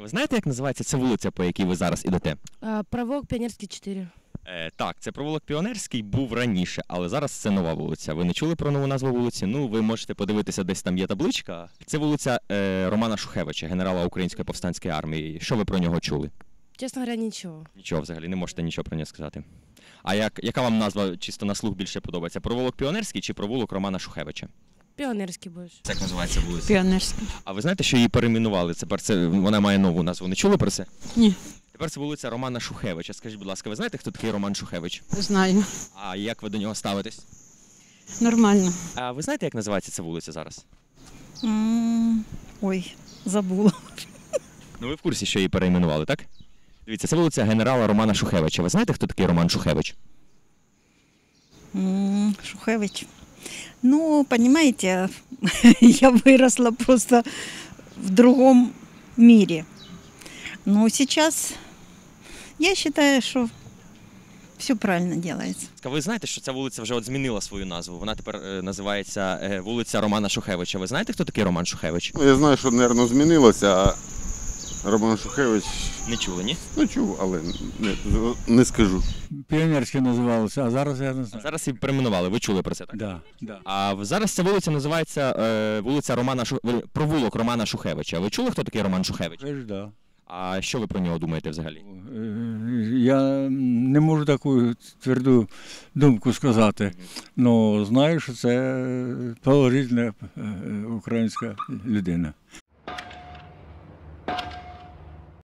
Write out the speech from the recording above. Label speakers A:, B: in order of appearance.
A: Ви знаєте, як називається ця вулиця, по якій ви зараз ідете?
B: Провулок Пионерский 4.
A: Так, це провулок Піонерський був раніше, але зараз це нова вулиця. Ви не чули про нову назву вулиці? Ну, ви можете подивитися, десь там є табличка. Це вулиця Романа Шухевича, генерала Української повстанської армії. Що ви про нього чули?
B: Честно говоря, ничего.
A: Нічого взагалі, не можете нічого про нього сказати. А яка вам назва чисто на слух більше подобається? Провулок Піонерський чи провулок Романа Шухевича?
B: Пионерский больше.
A: Як називається вулиця?
C: Піонерський.
A: А ви знаєте, що її перейменували? Вона має нову назву. Не чули про це?
C: Ні,
A: Тепер це вулиця Романа Шухевича. Скажіть, будь ласка, ви знаєте, хто такий Роман Шухевич?
C: знаю.
A: А як ви до нього ставитесь?
C: Нормально.
A: А ви знаєте, як називається ця вулиця зараз?
C: Ой, забула.
A: Ну ви в курсі, що її перейменували, так? Дивіться, це вулиця генерала Романа Шухевича. Ви знаєте, хто такий Роман Шухевич?
C: Шухевич. Ну, понимаете, я выросла просто в другом мире. Но сейчас я считаю, что все правильно делается.
A: Ви знаєте, що ця вулиця вже змінила свою назву? Вона тепер називається вулиця Романа Шухевича. Ви знаєте, хто такий Роман Шухевич?
D: Ну, я знаю, що, мабуть, змінилося, а Роман Шухевич,
A: Не чули, ні?
D: ну чув, але не скажу.
E: Піонерське називалося, а зараз я не
A: А
E: знаю.
A: зараз її перейменували, ви чули про це, так?
E: Да, да.
A: А зараз ця вулиця називається вулиця провулок Романа Шухевича. Ви чули, хто такий Роман Шухевич?
E: Це ж да.
A: А що ви про нього думаєте взагалі?
E: Я не можу таку тверду думку сказати, але знаю, що це положительна українська людина.